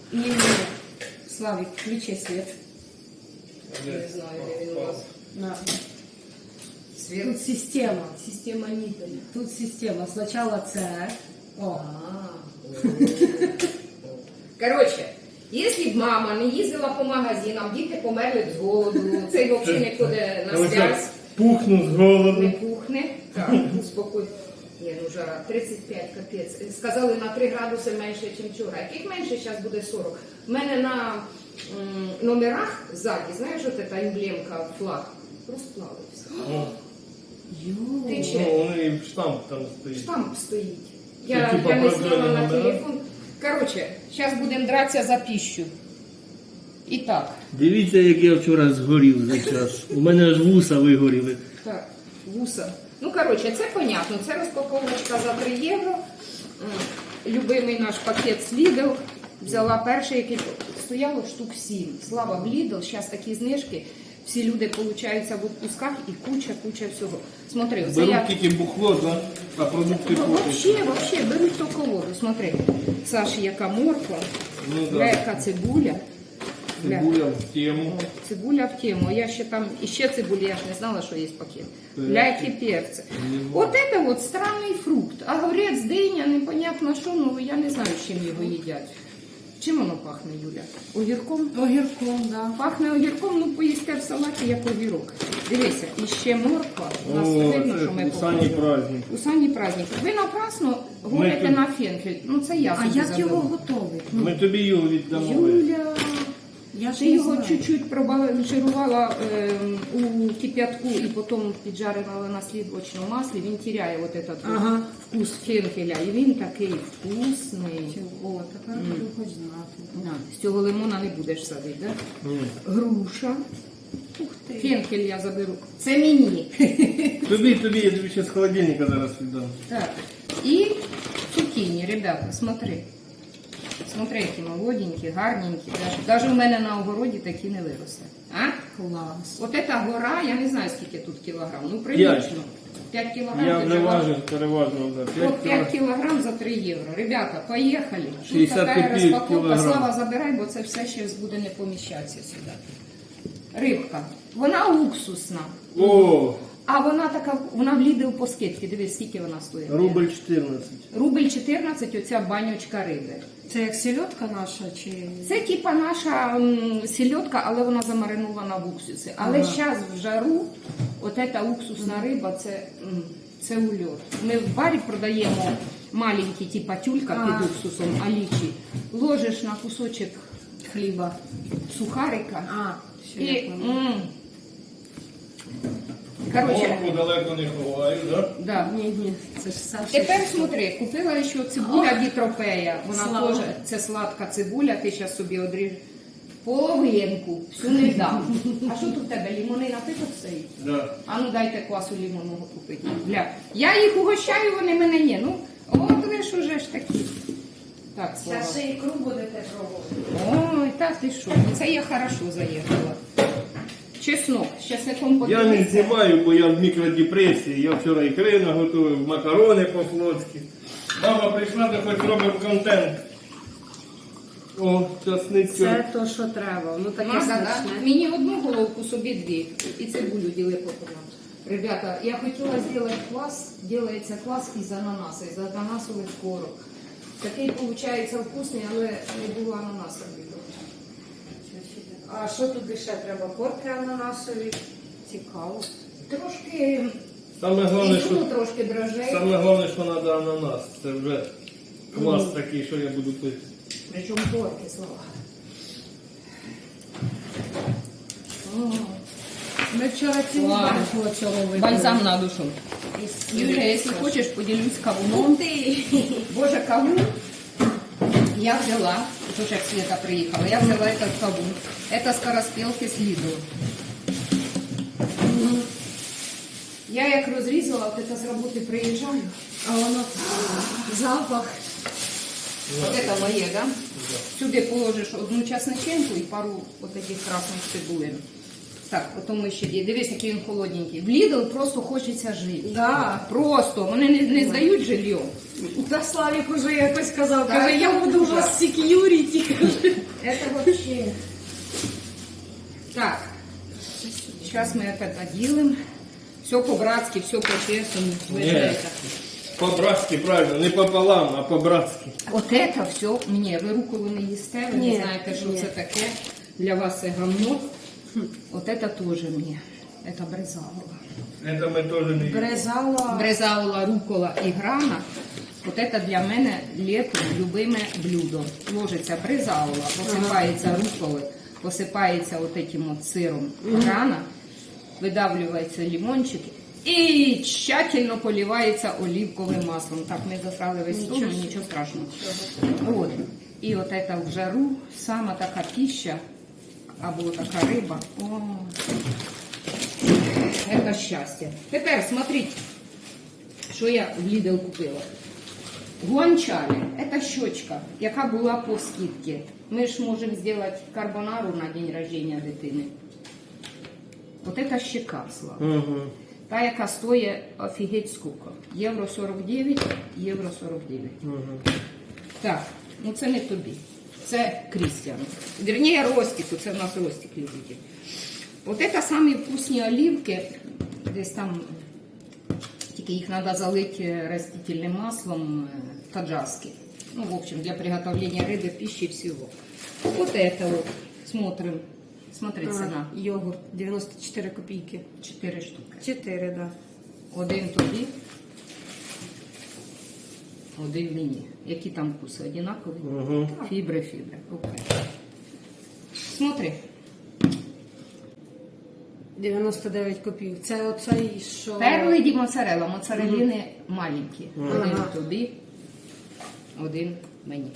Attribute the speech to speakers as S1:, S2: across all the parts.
S1: І Славік, включи світ.
S2: Не знаю, де він у вас.
S1: На.
S2: Світ.
S1: Тут система. Система Нітеля. Тут система. Спочатку це. О.
S2: Коротше, якщо б мама не їздила по магазинам, діти померли б з голоду, цей взагалі не ходить на зв'яз.
S3: Пухну з
S2: Не
S3: голоду.
S2: пухне. Так, успокой. Ні, ну жара, 35, капець. Сказали на 3 градуси менше, ніж вчора. Яких менше, зараз буде 40. У мене на номерах ззаді, знаєш, от ця емблемка, флаг, розплавився.
S3: О,
S2: Тече.
S3: ну, і штамп там стоїть.
S2: Штамп стоїть.
S3: Це
S2: Я
S3: типа
S2: не
S3: продали
S2: зняла на
S3: номера?
S2: телефон. Коротше, зараз будемо дратися за піщу. І так.
S3: Дивіться, як я вчора згорів за час. У мене аж вуса вигоріли.
S2: Так, вуса. Ну, коротше, це понятно. Це розпаковочка за 3 євро. Любимий наш пакет з Lidl. Взяла перший, який стояло штук 7. Слава в Lidl, зараз такі знижки. Всі люди получаються в відпусках і куча всього. Смотри, оце
S3: Беруть
S2: я...
S3: тільки бухло, да? А продукти купить.
S2: Вообще, беруть то колоду. Смотри, Саші, яка морква,
S3: Ну,
S2: бля,
S3: да.
S2: яка цибуля. Бля.
S3: Цибуля в тему.
S2: Цибуля в тему. А я ще там, іще цибуля, я ж не знала, що є пакет.
S3: Перці.
S2: Бля, які перці. Вот это вот странний фрукт. Огурець, диня, непонятно що, ну я не знаю, з чим його їдять. Чим воно пахне, Юля? Огірком?
S1: Огірком, да.
S2: Пахне огірком, ну поїсти в салаті, як огірок. Дивися, і ще морква. У нас
S3: О,
S2: видно,
S3: це
S2: що ми
S3: усані
S2: покажемо.
S3: праздник.
S2: Усані праздник. Ви напрасно говорите
S3: тут-
S2: на фенхель. Ну це я
S1: А
S2: собі
S1: як
S2: задала.
S1: його готовить?
S3: Ми тобі його віддамо.
S2: Юля,
S1: Я ж
S2: ти
S1: не
S2: його
S1: знаю.
S2: чуть-чуть пробалансирувала у кип'ятку і потім піджарила на слідочному маслі. Він теряє вот этот
S1: Ага.
S2: вкус фенхеля. І він такий вкусний.
S1: О, тепер буду хоч знати.
S2: На, з цього лимона не будеш садити, да?
S3: Ні.
S2: Груша.
S1: Ух ти.
S2: Фенхель я заберу. Це мені.
S3: Тобі, я тобі ще з холодильника зараз віддам.
S2: Так. І цукіні, ребята, смотри. Смотри, які молоденькі, гарненькі. Даже у мене на огороді такі не виросли. А?
S1: Клас.
S2: От ця гора, я не знаю, скільки тут кілограм. Ну, прилично. 5 кілограм.
S3: Я
S2: ти
S3: вже
S2: вже
S3: важив переважно за 5
S2: От 5 кілограм за 3 євро. Ребята, поїхали. Тут
S3: 60
S2: така
S3: копійок
S2: розпаковка.
S3: кілограм.
S2: Слава, забирай, бо це все ще буде не поміщатися сюди. Рибка. Вона уксусна.
S3: О,
S2: А вона така, вона в Lidl по скидці. Дивись, скільки вона стоїть.
S3: рубль 14.
S2: Рубль 14, оця банючка риби.
S1: Це як сельодка наша чи...
S2: Це типа наша сільотка, але вона замаринована в уксусі. Але
S1: Ага.
S2: зараз в жару, от ця уксусна риба, це ульот. Ми в барі продаємо маленькі, типа тюлька під уксусом, алічі. Ложиш на кусочок
S1: Хліба.
S2: сухарика
S1: А, ще
S2: і...
S1: як воно.
S2: Короче,
S3: Морку далеко не ховаю, да?
S2: да.
S1: Ні, це ж Саша.
S2: Тепер смотри, купила ще цибуля дітропея. Вона
S1: Слава.
S2: теж, це сладка цибуля, ти зараз собі одріж половинку, всю не дам. А що тут в тебе, лімонина ти тут стоїть?
S3: Да.
S2: А ну дайте квасу лімонного купити. Бля, я їх угощаю, вони мене ні. Ну, от ви ж уже ж такі. Так, Слава.
S1: Зараз ще ікру будете пробувати.
S2: Ой, так ти що, це я хорошо заїхала. Чеснок, з чесником
S3: Я не
S2: подивися.
S3: знімаю, бо я в мікродепресії. Я вчора ікри наготовив, макарони по-флотськи. Мама прийшла, то хоч робимо контент. О, часниця.
S1: Це то, що треба. Ну таке
S2: Маса, да?
S1: смачне.
S2: Мені одну головку, собі дві. І цибулю діли пополам. Ребята, я хотіла зробити квас, робиться квас із ананаса, із ананасових корок. Такий, виходить, вкусний, але не було ананаса.
S1: А що туди ще треба? Корки ананасові. Цікаво.
S2: Трошки
S3: Саме головне,
S2: ізюму,
S3: що,
S2: трошки дрожжей.
S3: саме головне, що треба ананас. Це вже квас такий, що я буду пити.
S2: Причому корки, слова.
S1: Ми вчора цілу
S2: Ладно.
S1: банку цього випили.
S2: Бальзам на душу.
S1: Із
S2: Юля, якщо хочеш, поділюсь кавуном. Боже, кавун я взяла, уже як Света приїхала, я взяла этот кавун. Это скороспелки з Lidl. Я як розрізала, от это з роботи приїжджаю,
S1: А воно запах.
S2: от это моє, да? Сюди положиш одну часниченку і пару от таких красних цибулин. Так, потім ми ще є. Дивись, який він холодненький. В Lidl просто хочеться жити.
S1: Да.
S2: Просто. Вони не здають жилье.
S1: Та Славік уже якось казав,
S2: Так,
S1: каже, я буду у
S2: дуже.
S1: вас сек'юріті.
S2: Это вообще... Так, сейчас мы это доделаем. Все по-братски, все по-честному. Вы же
S3: Нет.
S2: это.
S3: По-братски, правильно, не пополам, а по-братски.
S2: От это все мне. Ви руколи не їсте, ви
S1: Ні,
S2: не знаєте, що
S1: ні.
S2: це таке. Для вас це гамно. От это теж мені. Это брезалова.
S3: Это ми теж не їмо.
S1: Брезала.
S2: Брезалова, рукола і грана. От это для мене літом любиме блюдо. Ложиться брезалова, посипається руколи, посипається от этим от сиром грана, видавлюється лимончик і тщательно поливається оливковим маслом. Так, ми засрали весь стол, ну, нічого страшного. От. І от это в жару, сама така пища, або така риба. О, це щастя. Тепер, смотрите, що я в Lidl купила. Гуанчалі – це щочка, яка була по скидці. Ми ж можемо зробити карбонару на день рождения дитини. От це щека, Слава.
S3: Угу.
S2: Та, яка стоїть офігеть скільки. Євро 49, євро 49.
S3: Угу.
S2: Так, ну це не тобі. Це Крістіану. Вірніше, Ростику, це в нас Ростик любить. От це самі вкусні оливки, десь там, тільки їх треба залити растительним маслом таджарське. Ну, в общем, для приготовления рыбы, пищи и всего. Вот это вот. Смотрим. Смотрите, цена.
S1: Йогурт 94 копійки.
S2: 4 штуки.
S1: 4, да.
S2: Один тобі, один мені. Які там вкуси? Одинакові?
S3: Угу.
S2: Фібри. Окей. Смотри.
S1: 99 копійок. Це оцей, що...
S2: Перли ді моцарелла. Моцареліни маленькі. Один
S1: Ага.
S2: тобі, один мені.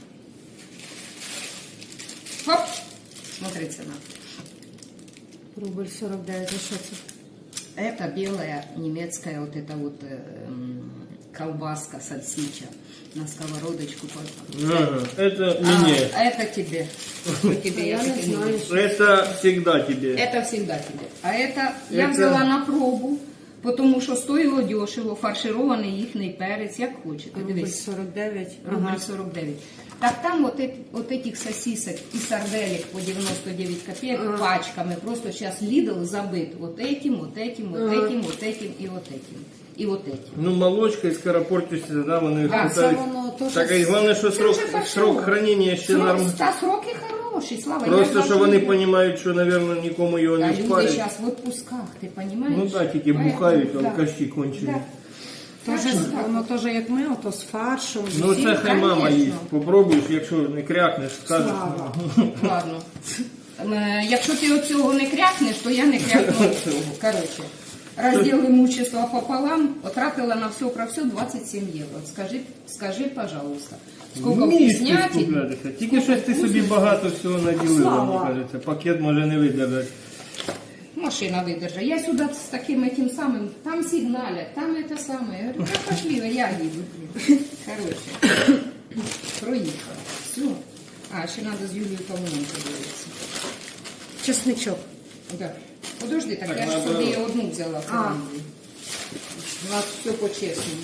S2: Хоп! Смотри, ціна.
S1: Рубль 49, а що це?
S2: Это белая немецкая вот эта вот колбаска, сальсича на сковородочку.
S3: Ага. Это мне.
S2: А это тебе. Что тебе?
S1: Я не
S2: тебе
S1: знаю.
S2: люблю.
S3: Это всегда тебе.
S2: Это всегда тебе. А это я
S3: Это-
S2: взяла на пробу, тому що стоїло дешево, фарширований їхній перець, як хочете.
S1: Рубль
S2: Дивись.
S1: 49.
S2: Рубль 49. Так там вот этих сосисок и сарделек по 99 копеек пачками. Просто сейчас Lidl забыт вот этим, вот этим, вот этим, вот этим и вот этим. И вот этим.
S3: Ну, молочка і скоропортишся, да, вони
S2: Да,
S3: питають.
S1: це воно теж-
S3: Так, і головне, що
S2: Це вже
S3: срок
S2: фаршировано.
S3: хранення ще нормальний.
S2: Та сроки хороші, Слава.
S3: Просто,
S2: я
S3: що вони розуміють, що, мабуть, нікому його
S2: Да,
S3: не
S2: люди
S3: спалять.
S2: зараз в отпусках, ти розумієш?
S3: Ну так, тільки бухають, алкаші кончені.
S2: Да.
S1: Теж,
S2: Так що так.
S1: воно теж як ми, ото з фаршем.
S3: Ну
S2: Всі,
S3: це хай мама
S2: конечно.
S3: їсть. Попробуєш, якщо не крякнеш, скажеш.
S1: Слава.
S2: Ладно. Якщо ти оцього не крякнеш, то я не крякну цього. Коротше, розділ имущества пополам, потратила на все про все 27 євро. Скажи, пожалуйста, скільки
S3: Вмієш ти
S2: вкуснятин.
S3: скуплятися. Тільки щось ти собі багато всього наділила,
S1: Слава.
S3: мені кажеться. Пакет може не видержати.
S2: Машина выдержа. Я сюда с таким этим самым, там сигналят, там это самое. Я говорю, да пошли, я еду. Блин. Короче, проехала. Все. А, ще надо з Юлією Павловною подивитися.
S1: Чесничок.
S2: Да. Подожди, так
S3: Так,
S2: я ж
S3: надо-
S2: собі одну взяла.
S1: А.
S2: У нас все по-чесному.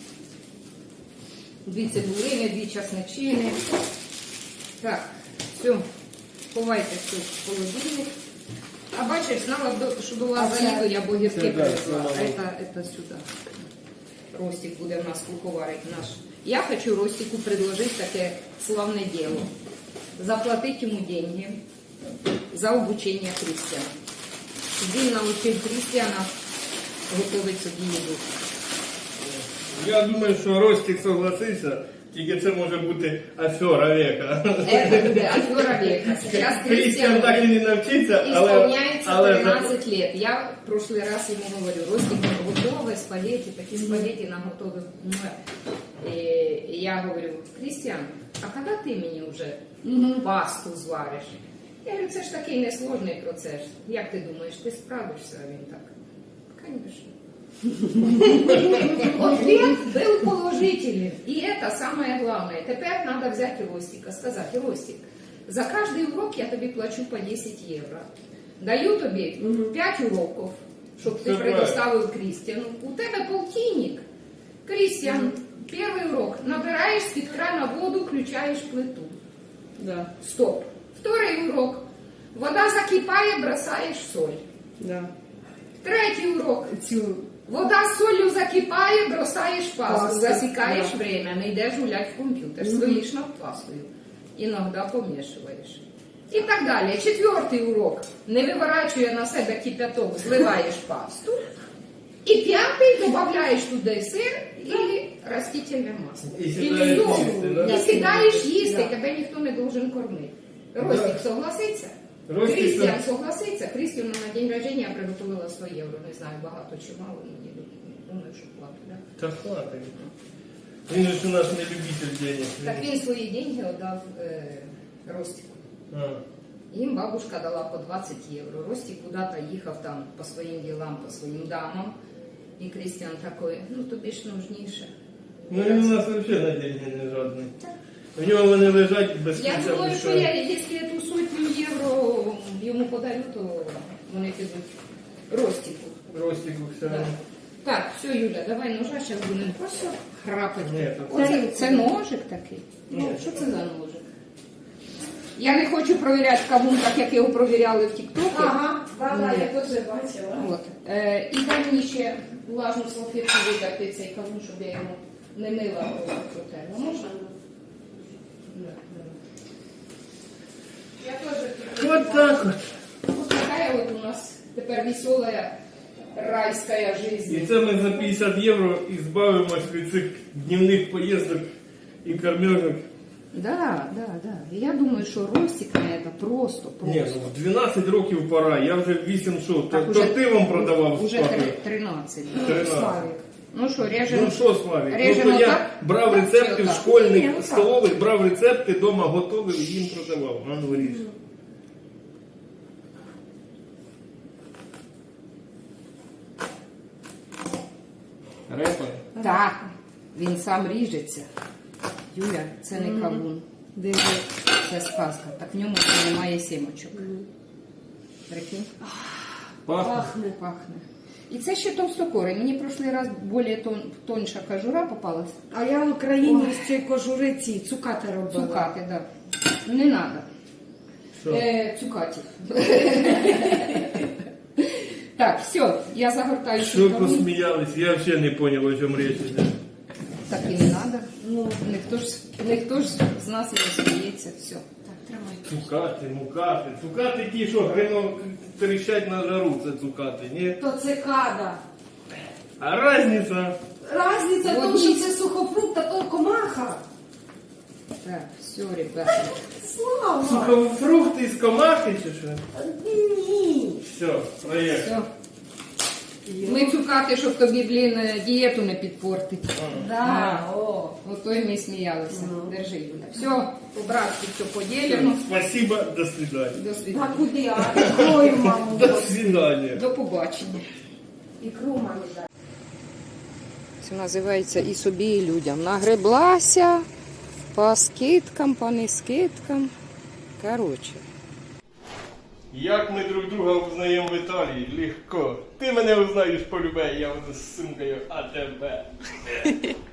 S2: 2 цибулини, 2 часничини. Так, все. Ховайте все в холодильник. А бачиш, знала, що до вас
S1: А це-
S2: заїду, я богірки
S3: Це да,
S2: привезла.
S3: це
S2: Это сюди. Ростик буде в нас куховарить наш. Я хочу Ростику предложить таке славне діло. Заплатить йому деньги за обучение Крістіана. Він научив Крістіана готувати собі їду.
S3: Я думаю, що Ростик согласився, тільки це може бути афера века.
S2: Это буде афера века. Сейчас
S3: Крістіан так і не навчиться,
S2: исполняется
S3: але
S2: 13 лет. Я в прошлый раз ему говорю, Ростик, готовы спагетти, такие спагетти нам готовы. И я говорю, Крістіан, а когда ты мне уже пасту звариш? Я говорю, це ж такий несложний процес. Як ти думаєш, ти справишся? А він так, конечно. Ответ был положительный. И это самое главное. Теперь надо взять Ростика, сказать, Ростик, за каждый урок я тебе плачу по 10 евро. Даю тобі 5 уроків, щоб ти
S3: Це
S2: предоставив Крістіану. У тебе полтинник. Крістіан, перший урок. Набираєш з-під крана воду, включаєш плиту.
S1: Да.
S2: Стоп. Второй урок. Вода закипає, бросаєш соль.
S1: Да.
S2: Третій урок.
S1: Цю
S2: Вода з солью закипає, бросаєш пасту,
S1: Пасту,
S2: засікаєш
S1: да.
S2: время, не йдеш гулять в комп'ютер, стоїш над пастою, іноді помішуєш. І так далі. Четвертий урок. Не виворачує на себе кипяток, зливаєш пасту. І п'ятий, додаєш туди сир і растительне масло.
S3: І
S2: все.
S3: сідаєш їсти, да?
S2: І сідаєш їсти,
S1: Да.
S2: тебе ніхто не должен кормити. Ростик согласиться?
S3: Ростик
S2: Крістіан согласиться. Крістіану на день рождения я приготувала 100 євро. Не знаю, багато чи мало, але думаю, що платить. Да?
S3: Та хватить. Він же ж у нас не любитель денег.
S2: Так він свої деньги віддав Ростику.
S3: А.
S2: Їм бабушка дала по 20 євро. Ростик куди-то їхав там по своїм ділам, по своїм дамам. І Крістіан такий, ну тобі ж нужніше.
S3: Ну він у нас взагалі на деньги не жодний. У нього вони лежать без
S2: Я
S3: кінця.
S2: думаю,
S3: без
S2: що
S3: краю.
S2: якщо я ту сотню євро йому подарю, то вони підуть Ростику.
S3: Ростику все.
S2: Да. Так, все, Юля, давай ножа, зараз будемо просто храпати.
S3: Ні,
S2: Оце, це ножик такий? Ну,
S3: Ні.
S2: що це за ножик? Я не хочу провіряти кавун, так як його провіряли в Тік-Токі.
S1: Ага, да,
S2: Ні.
S1: я теж бачила.
S2: От. І дай мені ще влажну салфетку видати цей кавун, щоб я його не мила протерла. Можна? Да, да. Я теж
S3: Вот так от.
S2: вот такая вот у нас тепер веселая райська
S3: І
S2: жизнь.
S3: це ми за 50 євро і збавимось від цих днівних поїздок і кормежок.
S2: Да, да, да. І я думаю, що Ростик на це просто.
S3: Ні, ну в 12 років пора, я вже 8 шов.
S2: Так,
S3: То
S2: уже-
S3: ти вам продавав
S2: Уже
S3: спати.
S2: 13.
S3: 13.
S1: Славік.
S2: Ну що, режемо?
S3: Ну що, Славік,
S2: Режемо
S3: ну то я
S2: так?
S3: брав
S2: Так,
S3: рецепти
S2: чи
S3: в
S2: отак?
S3: школьних
S1: Ні, отак.
S3: столових, брав рецепти, вдома готовив і їм продавав. А ну ріж. Репа?
S2: Так. Він сам ріжеться. Юля, це не кавун.
S1: Диви.
S2: Це сказка. Так в ньому вже немає сімочок. Прикинь?
S3: Пахне.
S1: Пахне.
S2: Пахне. І це ще товстокорий. Мені прошлий раз більш тонша кожура попалась.
S1: А я в Україні з цієї кожури ці цукати робила.
S2: Цукати, так. Да. Не треба.
S3: Що?
S2: Цукатів. Так, все, я загортаю
S3: Що
S2: кавун.
S3: посміялись? Я взагалі не зрозумів, о чому річ йде.
S2: Так і не треба.
S1: Ну,
S2: Ніхто ж з нас не сміється. Все.
S1: так, тримай.
S3: Цукати, мукати. Цукати ті, що грино тріщать на жару, це цукати, ні?
S1: То цикада.
S3: А різниця?
S1: Разниця в тому, що це сухофрукт, а то комаха.
S2: Так, все, ребята.
S1: Слава!
S3: Сухофрукти з комахи чи що?
S1: Ні.
S3: Все, проєкт.
S2: Все. Ми цукати, щоб тобі, дієту не підпортити.
S1: Да, о.
S2: Ото й ми сміялися. Держи, Юля. Все, по-братськи все поділено.
S3: Спасибо, до свидания.
S2: До
S1: А
S2: свидання.
S1: куди? А ікрою, маму.
S3: До свидания.
S2: До побачення.
S1: Ікру мамі дай.
S2: Це називається і собі, і людям. Нагреблася по скидкам, по нескидкам. Коротше.
S3: Як ми друг друга узнаємо в Італії? Легко. Ти мене узнаєш полюбе, я буду з сумкою, а тебе.